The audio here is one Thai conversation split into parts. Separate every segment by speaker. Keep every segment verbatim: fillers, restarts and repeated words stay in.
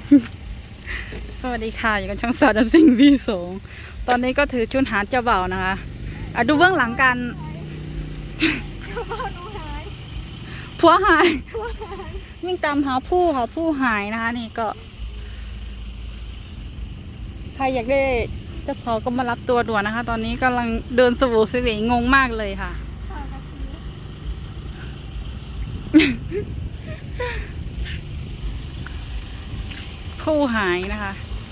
Speaker 1: สวัสดีค่ะอยู่กับช่องสาวดับซิงวีสองตอนนี้ก็ถือชุดหาเจ้าบ่าวนะคะอ่ะดูเบื้องหลังกันเจ้าบ่าวดูหายผัวหายวิ่งตามหาผู้หาผู้หายนะคะนี่ก็ใครอยากได้เจ้าสาวก็มารับตัวด่วนนะคะ ตอนนี้กำลังเดินสวูสวีงงมากเลยค่ะผู้หายนะคะ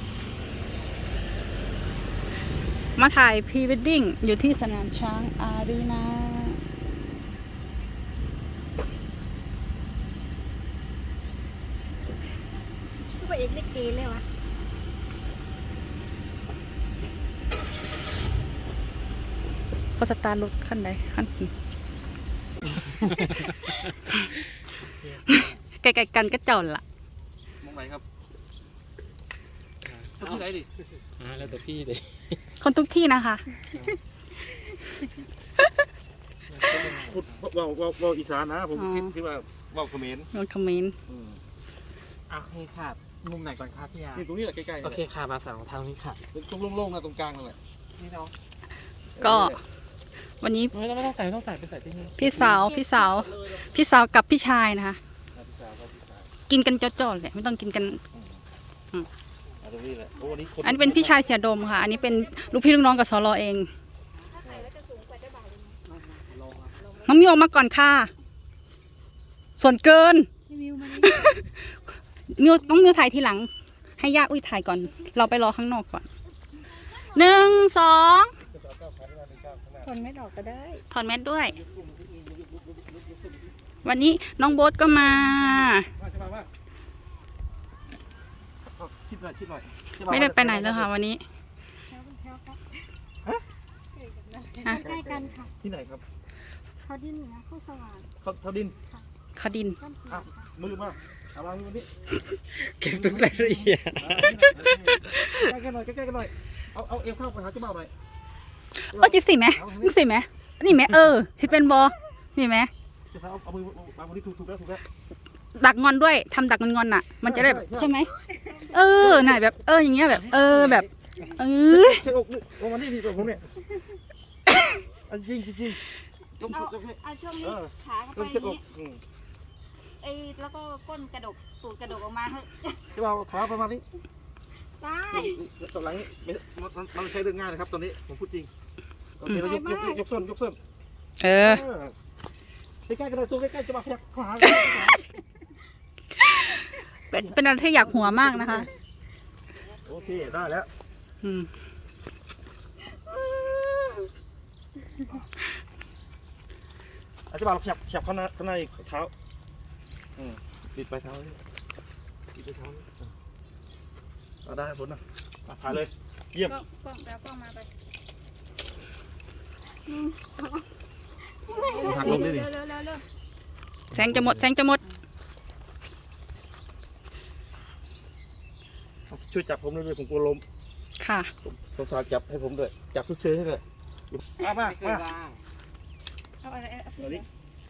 Speaker 1: มาถ่ายพรีเวดดิ้งอยู่ที่สนามช้างอารีนาพระเอกเล็กเกเลยวะเขาสตาร์ทรถขั้นใดขั้นไกลๆกันก็จอดละ
Speaker 2: มองไหนครับที่ไหนดิอ่าแล้วแต่พี่ดิ
Speaker 1: คนทุกที่นะคะ
Speaker 2: พูดว่าว่าว่าอีสานนะผมคิดที่ว่าว่าเขมร
Speaker 1: นนคอมเมนต์
Speaker 3: อ่ะโอเคค่ะมุมไหนก่อนครับพี่ยา
Speaker 2: นี่ตรงนี้แหละใกล้ๆ
Speaker 3: โอเคค่ะมาสั่งทางนี้ค่ะ
Speaker 2: ตรงโล่งๆนะตรงกลางนั่นแหละ
Speaker 3: นี่เนาะ
Speaker 1: ก็วันนี้
Speaker 3: ไม่ต้องไม่ต้องใส่ไม่ต้องใส่ไปใส่ที่นี่
Speaker 1: พี่สาวพี่สาวพี่สาวกับพี่ชายนะคะกินกันจอดๆเลยไม่ต้องกินกันอันนี้เป็นพี่ชายเสียดมค่ะอันนี้เป็นลูกพี่ลูกน้องกับสลอเองน้องมิวออกมาก่อนค่ะส่วนเกินมิวน้องมิวถ่ายทีหลังให้ย่าอุ้ยถ่ายก่อนเราไปรอข้างนอกก่อนหนึ่งสองถอนแมสออกก็ได้ถอนแมสด้วยวันนี้น้องโบ๊ทก็มาไม่ได้ไปไหนเลยค่ะวันนี้
Speaker 4: ใกล้กันค่ะ
Speaker 2: ที่ไหนครับ
Speaker 4: เขาดินนะเขาสว่าง
Speaker 2: เขาเขาดิน
Speaker 1: เขาดิน
Speaker 2: มือมาเอาวางมือนี้
Speaker 3: เก็บทุกรายละเอียด
Speaker 2: ใกล้กันหน่อยใกล้กันหน่อยเอาเอาเอวเข้าไปหาเจ้าบ่าวหน่อย
Speaker 1: เออจิสิไหมมึงสิไหมนี่ไหมเออเห็นเป็นบอนี่ไหม
Speaker 2: เอาเอามือวางมือนี้ถูกถูกแล้วถูกแล้ว
Speaker 1: ดักงอนด้วยทำดักงอนๆน่ะมันจะได้แบบใช่ไหมเออไหนแบบเอออย่างเงี้ยแบบเออแบบเออ
Speaker 2: เช็ดอกโอ้มันนี่ดีกว่าผมเนี่ยจริงจริง
Speaker 4: เอาเอาช่วงนี้ขาเข้าไปนี้ไอ้แล้วก็ก้นกระดกสูดกระดกออกมาเฮ้ย
Speaker 2: จะเอาขาประมาณนี้
Speaker 4: ได้
Speaker 2: ตอนหลังนี้มันมันใช้เรื่องง่ายนะครับตอนนี้ผมพูดจริงโอเคเรายกยกยกส้นยกส้น
Speaker 1: เออ
Speaker 2: ใกล้ๆกันเลยตัวใกล้ๆจะมาขยับขา
Speaker 1: เป็นเป็นอะไรที่อยากหัวมากนะคะ
Speaker 2: โอเคได้แล้ว
Speaker 1: อืม
Speaker 2: อาจจะมาขยับขยับข้างหน้าข้างหน้าอีกเท้าอืมติดไปเท้าติดไปเท้าเอาได้ผลนะถ่ายเลยเยี่ยม
Speaker 4: กล้องแล้วกล้องมาไป
Speaker 2: หักลงได้ดิ
Speaker 1: แสงจะหมดแสงจะหมด
Speaker 2: ช่วยจับผมด้วยผมกลัวล้ม
Speaker 1: ค่ะ
Speaker 2: สาวๆจับให้ผมด้วยจับเฉยๆให้เลยมามามา
Speaker 4: เอาอะไรเอา
Speaker 2: นี้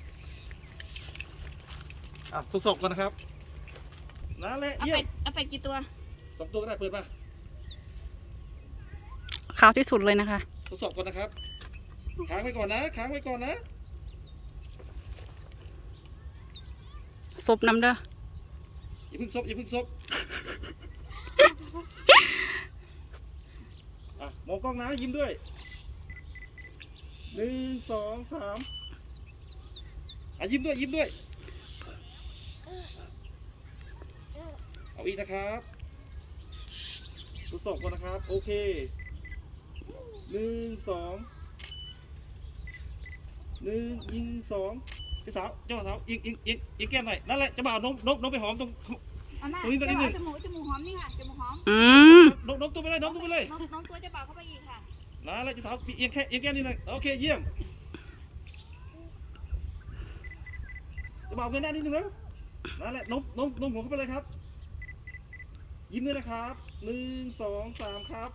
Speaker 2: อ่ะทดสอบก่อนนะครับนั่นแหละเยี่ยม
Speaker 4: เอาไปกี่ตัว
Speaker 2: สองตัวก็ได้เปิดมา
Speaker 1: ขาวที่สุดเลยนะคะ
Speaker 2: ทดสอบก่อนนะครับค้างไว้ก่อนนะค้างไว้ก่อนนะ
Speaker 1: ซบน้ำเด้อ
Speaker 2: อย่าเพิ่งซบอย่าเพิ่งซบอ่ะมองกล้องนะยิ้มด้วยหนึ่งสองสามอ่ะยิ้มด้วยยิ้มด้วยเอาอีกนะครับทดสอบก่อนนะครับโอเคหนึ่งสองหนึ่งยิงสองพี่สาวเจ้าสาวยิงยิงยิงยิงแก้มหน่อยนั่นแหละจะบ่าวน้องน้องน้องไปหอมตรงตรงนี้ตรงนี้หนึ่ง
Speaker 4: จมูกจมูกหอมนี่ค่ะจมูกหอม
Speaker 1: อืม
Speaker 2: น้องน้องตัวไปเลยน้องตัวไปเลย
Speaker 4: น้องตัวจะบ่าวเข้าไปอีกค่ะ
Speaker 2: นั่นแหละจะสาวยิงแค่ยิงแก้มนี่เลยโอเคเยี่ยมจะบ่าวเงินหน้านิดนึงแล้วนั่นแหละน้องน้องน้องหัวเข้าไปเลยครับยิ้มด้วยนะครับหนึ่งสองสามครับ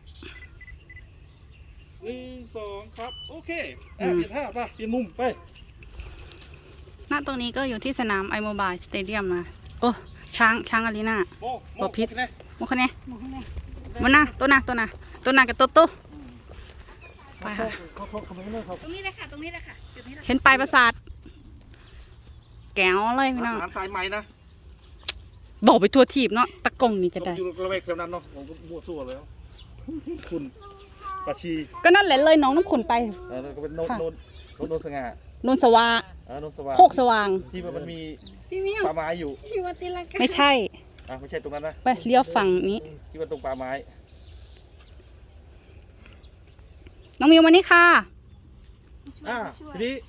Speaker 2: หนึ่งสองครับโอเคอ่ะเปลี่ยนท่าไปเปลี่ยนมุมไป
Speaker 1: ณตรงนี้ก็อยู่ที่สนามไอโมบายสเตเดียมนะโอ้ช้างช้างอารีนา
Speaker 2: โมโม
Speaker 1: บ่ผิด
Speaker 2: โอเคนะ
Speaker 1: โมคะแนน
Speaker 4: หมูข้างใน
Speaker 1: มันนะตัวนะตัวนะตัวนะกับตัวโตไปค่ะ
Speaker 2: เขาเขาเขาไม่เลิกเขา
Speaker 4: ตรงนี้เลยค่ะตรงนี้เลยค่ะจุดนี้เลย
Speaker 1: เห็นปลายประสาทแก้วเลยพี่น้อง
Speaker 2: ร้านสายไหมนะ
Speaker 1: บอกไปทั่วทีบเนาะตะกงนี่ก็
Speaker 2: ผม
Speaker 1: ได้
Speaker 2: อยู่ระแวกแถวนั้นเนาะผมก็มั่วซั่วเลยคุณปาชี
Speaker 1: ก็นั่นแหละเลยน้องน้ำขุนไป
Speaker 2: เออก็เป็นโนน
Speaker 1: ค่ะ
Speaker 2: โนนโนนโนนสง่า
Speaker 1: นนสวา
Speaker 2: เออโนนสว่าง
Speaker 1: โคกสว่าง
Speaker 2: ที่มันมี
Speaker 4: พี่มิว
Speaker 2: ป่าไม้อยู่
Speaker 4: พี่วัติลังกา
Speaker 1: ไม่ใช่
Speaker 2: อ่ะไม่ใช่ตรงนั้นนะ
Speaker 1: ไปเลี้ยวฝั่งนี้
Speaker 2: ที่มันตรงป่าไม้
Speaker 1: น้องมิวมานี่ค่ะ
Speaker 2: อ่า
Speaker 4: ช่วย
Speaker 2: ทีนี้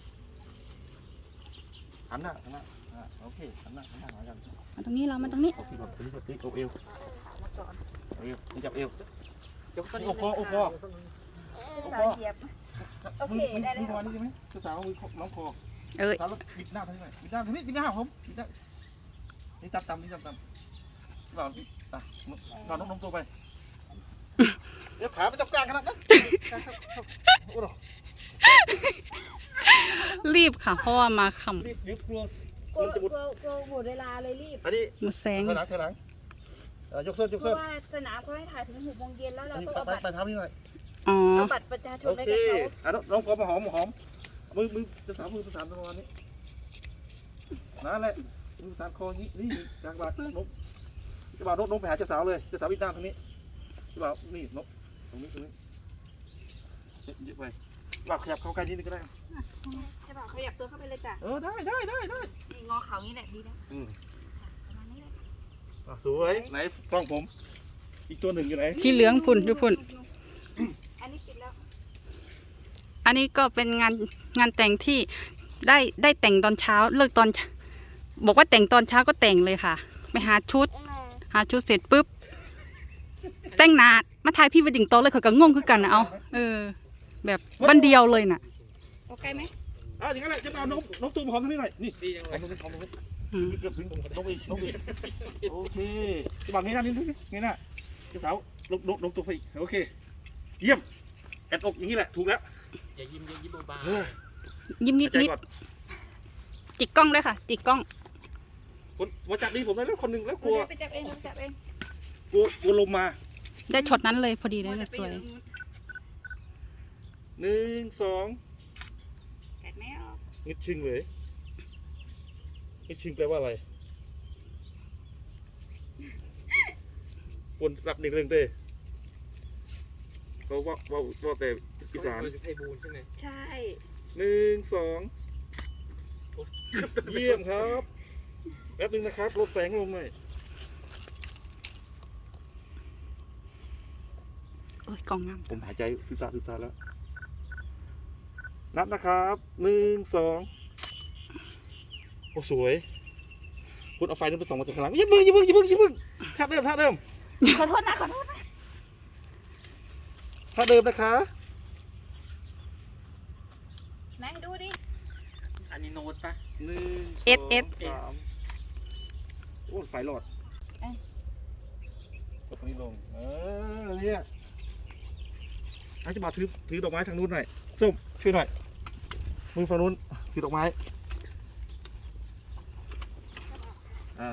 Speaker 2: หันหน้าหันหน้าอ่าโอเคหันหน้าหันหน้าหากัน
Speaker 1: มาตรงนี้เรามาตรงนี้
Speaker 2: โอเคก่อนทีนี้ทีนี้เอาเอวเอาเอวนี่จับเอวจับโอ้คอโอ้คอ
Speaker 4: สาวเหยียบ โอเคได้แล้ว
Speaker 2: มือประมาณนี้ใช่ไหมเจ้าสาวมือน้องคอ
Speaker 1: เอ้ย
Speaker 2: สาวแล้วบิดหน้าทางนี้หน่อยบิดหน้าทางนี้บิดหน้าผมบิดหน้านี่จับตำนี่จับตำเราอ่ะเราน้องน้องตัวไปเดี๋ยวขาไม่จับกลางขนาดนั้นโอ้โห
Speaker 1: รีบค่ะ เพราะว่ามาค
Speaker 2: รีบรีบกลัว
Speaker 4: กลัว
Speaker 2: มันจะ
Speaker 4: ก
Speaker 2: บุด
Speaker 4: ลัวกลัวหมดเวลาเลยรีบ
Speaker 2: อันนี้
Speaker 1: ำหมดแสง
Speaker 2: เธอหลังเธอหลังเอ่อยกส้นยก
Speaker 4: เพ
Speaker 2: ส้น
Speaker 4: ราะว่าสนามเขาให้ถ่ายถึงหกโมงเย็นแล้ว
Speaker 2: อั
Speaker 4: เรา
Speaker 2: นนี้
Speaker 4: ต้อง
Speaker 2: ไป
Speaker 4: เอา
Speaker 2: ไป
Speaker 4: บัตร
Speaker 2: ไปเท้านี่หน่อย
Speaker 1: อ๋อ
Speaker 4: เอาบัตรประชาชน
Speaker 2: โอ
Speaker 4: ให้
Speaker 2: เค
Speaker 4: กับเขา
Speaker 2: อ่ะน้องน้องพอมาหอมหอมมือมือจะสามมือประสานประมาณนี้นั่นแหละมือประสานคออย่างนี้นี่จางบาดนกจะบ่าวนกนกไปหาเจ้าสาวเลยเจ้าสาววิ่งตามทางนี้จะบ่าวนี่นกตรงนี้ตรงนี้เยอะไปบ่าวขยับเข้าใกล้นิดนึงก็ได้
Speaker 4: ใช่ป่ะขยับตัวเข้าไปเลยจ้ะ
Speaker 2: เออได้ได้ได้ได้
Speaker 4: นี่งอเขาอย่างนี้แหละดีแล้ว
Speaker 2: อืม
Speaker 4: ประมาณนี้เลย
Speaker 2: อ่ะสวยไหนกล้องผม อีกตัวหนึ่งอยู่ไหน
Speaker 1: สีเหลืองพุ่นอยู่พุ่น
Speaker 4: อันนี้ปิดแล้ว
Speaker 1: อันนี้ก็เป็นงานงานแต่งที่ได้ได้แต่งตอนเช้าเลิกตอนเช้าบอกว่าแต่งตอนเช้าก็แต่งเลยค่ะ ไปหาชุด หาชุดเสร็จปุ๊บ แต่งหนามาถ่ายพี่วดดิ่งโตะเลยเขาก็งงคือกันนะเอาเออ แบบวันเดียวเลยน่ะ
Speaker 4: โอเคไหม
Speaker 2: อ่ะอย่างนั้นแหละจะบ่าวนกนกตัวหอมทางนี้หน่อยนี่
Speaker 3: ดีจัง
Speaker 2: ห
Speaker 3: เล
Speaker 2: อย มตรงนี้หอมตรงนี้
Speaker 1: อืม
Speaker 2: เกือบถึงนกอีกนกอีกโอเคจะบ่าวงี้หน้านิดนึงงี้หน้าเจ้าสาวนกนกนกตัวไปอีกโอเค เยี่ยมแอดอกอย่างนี้แหละถูกแล้ว
Speaker 3: อย่ายิ้มอย่ายิ้มเบา
Speaker 2: เฮ้ย
Speaker 1: ยิ้มนิด
Speaker 2: หายใจ
Speaker 1: นิด
Speaker 2: ก่อน
Speaker 1: จิกกล้องด้วยค่ะ จิกกล้อง
Speaker 2: คนมาจับดีผมได้แล้วคนหนึ่งแล้วกลัว
Speaker 4: เดี๋ยวไปจับเองจับเอง
Speaker 2: กลัวกลัวลมมา
Speaker 1: ได้ช็อตนั้นเลยพอดีเลย
Speaker 4: จับไป
Speaker 1: สวย
Speaker 4: อนู้น
Speaker 2: หนึ่งสอง
Speaker 4: แกะไม่ออก
Speaker 2: งิดชิงเลยงิดชิงแปลว่าอะไรคนรับหนึ่งเรื่องเต้เขาว่าว่าว่าแต่
Speaker 3: ๆ
Speaker 2: อีสาน
Speaker 3: เขาจะไพบูลย์ใช่ไหม
Speaker 4: ใช่
Speaker 2: หนึ่งสองเยี่ยมครับแป๊บนึงนะครับลดแสงลงหน่อย
Speaker 1: เอ้ยกล้องงาม
Speaker 2: ผมหายใจซื่อซาซื่อซาแล้ว นับนะครับหนึ่งสองโอ้สวย คุณเอาไฟนั้นไปส่องมาจากข้างหลังอย่าเพิ่งอย่าเพิ่งอย่าเพิ่งอย่าเพิ่งท่าเดิมท่าเดิม
Speaker 4: ขอโทษนะขอโทษนะ
Speaker 2: ท่าเดิมนะคะ
Speaker 4: ไหนดูดิ
Speaker 3: อันนี้โน้ตปะ
Speaker 2: หนึ่ง
Speaker 1: เอสเอส
Speaker 2: สามโอ้ไฟหลอดกดตรงนี้ลง เออเนี่ยให้จะมาถือถือดอกไม้ทางนู้นหน่อยส้มช่วยหน่อยมือฝั่งนู้นถือดอกไม้อ่า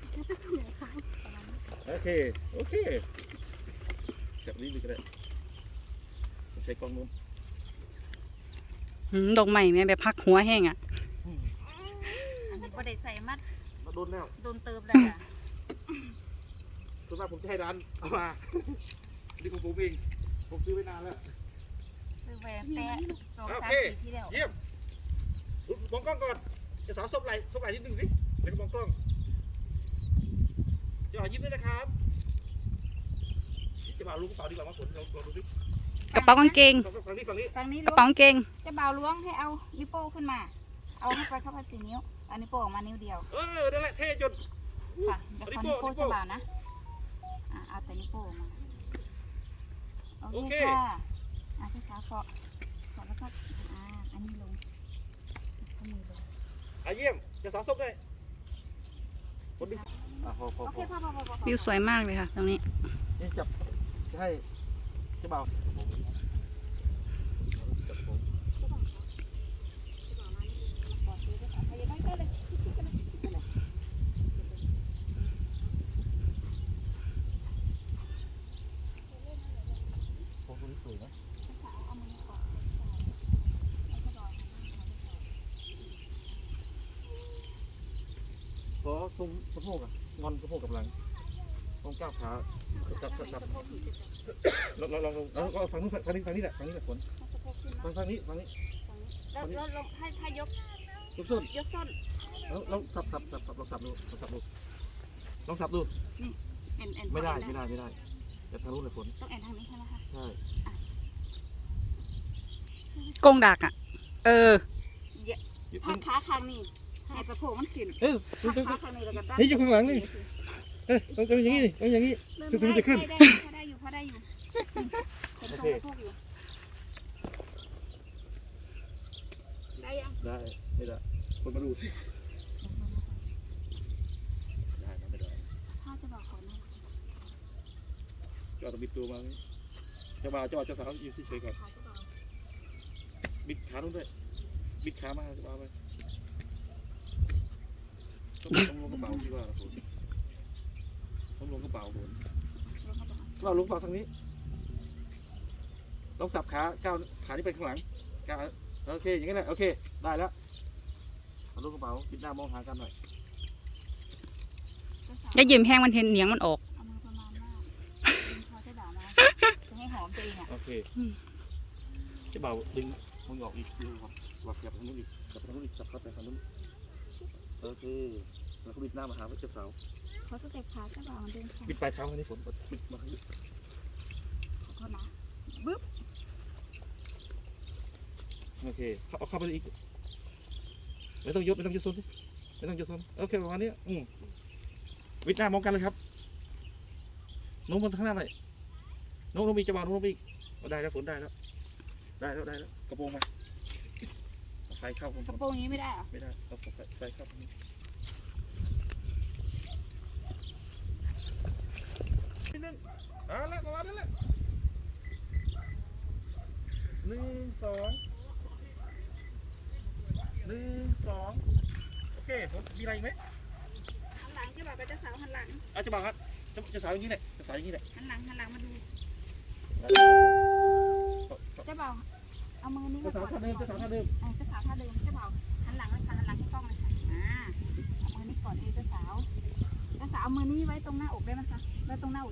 Speaker 2: โอเคโอเคจับนี้ดีก็ได้ผมใช้กล้องนู้น
Speaker 1: หืมดอกใหม่แม่แบบพักหัวแห้งอ่ะ
Speaker 4: อันนี้ประเด็ใส่มัด
Speaker 2: มาโดนแล้ว
Speaker 4: โดนเติมแล้วจ้ะ
Speaker 2: ส่วนมากผมจะให้ร้านเอามา นี่ของผมเองผมซื้อไว้นานแล้ว
Speaker 4: ซื้อแหวนแตะสอง
Speaker 2: โอ
Speaker 4: สาม
Speaker 2: เค
Speaker 4: สี่ที่แล้ว
Speaker 2: เยี่ยมอุ๊ยมองกล้องก่อนจะสาวซบไหลซบไหลนิดนึงสิแล้วก็มองกล้องจะหายิ้มด้วยนะครับจะบ่าวรู้กระเป๋าดีกว่ามาฝนลองลองดูสิ
Speaker 1: กระเป๋ากางเกง
Speaker 2: ฝั่งนี้ฝั่งนี้
Speaker 4: ฝั่งนี้
Speaker 1: กระ
Speaker 4: ล้วง
Speaker 1: เป๋ากางเกง
Speaker 4: จะเบาล้วงให้เอานิ้วโป้งขึ้นมา เอาให้ไปเข้าไปสี่นิ้วเอานิ้วโป้งออกมานิ้วเดียว
Speaker 2: เออนั่นแหละเท่จน
Speaker 4: ค่ะเดี๋ยวขอนิ้วโป้งจะเบานะอ่ะเอาแต่นิ้วโป้งออกมาโอเคค่ะอ่ะที่ขาเกาะเกาะแล้วก็อ่าอันนี้ลงข้อมือลง
Speaker 2: อ่ะเยี่ยมจะสาวซบด้วยคนดึงอ่ะพอพอ
Speaker 4: โอ
Speaker 2: พ
Speaker 4: เค
Speaker 2: อ
Speaker 4: พอพอพอพอ
Speaker 1: วิวสวยมากเลยค่ะ ตรงนี้
Speaker 2: นี่จับจะให้จะบ่าวจับผม
Speaker 4: ปอดซื้อด้วยค่ะพยาบาลก็เลย
Speaker 2: วยนะ
Speaker 4: สาวเอามือก่อนแล้วก็รอ
Speaker 2: ขอตรงสะโพกอ่ะงอนสะโพกกับหลังตรงก้าวขาจับจับจับลองลองลองแล้วก็ฝั่งนู้นฝั่งนี้ฝั่งนี้แหละฝั่งนี้แหละฝนฝั่งฝั่งนี้ฝั่งนี้
Speaker 4: แล้วแล้วลงให้ถ้ายก
Speaker 2: ยกส้น
Speaker 4: ยกส้น
Speaker 2: แล้วลองสับสับสับสับลองสับดูลองสับดูลองสับดู
Speaker 4: เอ็นเอ็น
Speaker 2: ไม่ได้ไม่ได้ไม่ได้จะทะลุเลยฝน
Speaker 4: ต้องเอ็นทางนี้ใช่ไหมคะ
Speaker 2: ใช่
Speaker 1: กงดักอ่ะ เออ
Speaker 4: ถ้าขาข้างนี้ให้สะโพกมันขึ้น
Speaker 2: เอ้ย
Speaker 4: ขาขาข้างนี้แล้วก็ด้าน
Speaker 2: เฮ้ยอยู่ข้างหลังนี่เอ้ยต้องต้องอย่างนี้ต้องอย่างนี้
Speaker 4: เริ่ม
Speaker 2: ถึงมันจะขึ้น
Speaker 4: ได้พอได้อยู่พอได้อยู่เห็นตรงสะโพกอยู่ได้ยัง
Speaker 2: ได้ไม่ได้คนมาดูสิได้นะไม่ได้
Speaker 4: ถ้าจะบอกขอหน่อย
Speaker 2: จะเอาตัวบิดตัวมาจะบ่าวจะบ่าวจะสาวยืนเฉยๆก่อน
Speaker 4: ขาจะบอก
Speaker 2: บิดขาลงด้วยบิดขามาจะบ่าวไปต้องลงกระเป๋าที่ว่าผมต้องลงกระเป๋าผม
Speaker 4: ลงมาตรงนั้น
Speaker 2: เราลงกระเป๋าทางนี้ลองสับขาก้าวขาที่ไปข้างหลังก้าวโอเคอย่างนี้แหละโอเคได้แล้วเอาลงกระเป๋าบิดหน้ามองหากันหน่อย
Speaker 4: เจ้าสาว
Speaker 1: อย่ายืมแห้งมันเห็นเหนียงมันออก
Speaker 4: เอามือประมาณว่าพอจะด่ามาจะให้หอมตัวเองอ่ะ
Speaker 2: โอเค
Speaker 1: อืม
Speaker 2: จะเบาดึงมึงออกอีกดูครับวัดกลับทางนู้นอีกกลับทางนู้นอีกสับเข้าไปทางนู้นโอเคแล้วก็บิดหน้ามาหาเจ้าสาว
Speaker 4: เขาสเต็ปขาเจ้าบ่าวมันเดินค่ะ
Speaker 2: บิดปลายเท้าให้ฝนบิดมา
Speaker 4: ขอโทษนะบึ๊บ
Speaker 2: โอเคเอาเข้าไปอีกไม่ต้องยกไม่ต้องยกโซนสิไม่ต้องยกโซนโอเคประมาณนี้อืมบิดหน้ามองกันเลยครับโน้มมันข้างหน้าหน่อยโน้มโน้มอีกจะบ่าวโน้มอีกได้แล้วฝนได้แล้วได้แล้วได้แล้วกระโปรงมาไฟเข้าก
Speaker 4: ระโปรงนี้ไม่ได้เหรอ
Speaker 2: ไม่ได้เอาไฟเข้าตรงนี้นั่นอ่าแล้วประมาณนั้นแหละหนึ่งสองหนึ่งสองโอเคผมมีอะไรอีกไหม
Speaker 4: หันหลังเจ้าบ่าวกับเจ้าสาวหันหลัง
Speaker 2: อาจจะบอกครับจะจะสาวอย่างนี้แหละจะสาวอย่างนี้แหละ
Speaker 4: หันหลังหันหลังมาดูเจ้าบ่าวเอามือนี้
Speaker 2: จะ
Speaker 4: มา
Speaker 2: สาว
Speaker 4: ก่อน
Speaker 2: ท่าเดิมจะสาวท่าเดิม
Speaker 4: เออเจ้าสาวท่าเดิมเจ้าบ่าวหันหลังเลยค่ะหันหลังให้กล้องเลยค่ะอ่าเอามือนี้ก่อนเลยเจ้าสาวเจ้าสาวเอามือนี้ไว้ตรงหน้าอกได้ไหมคะไว้ตรงหน้าอก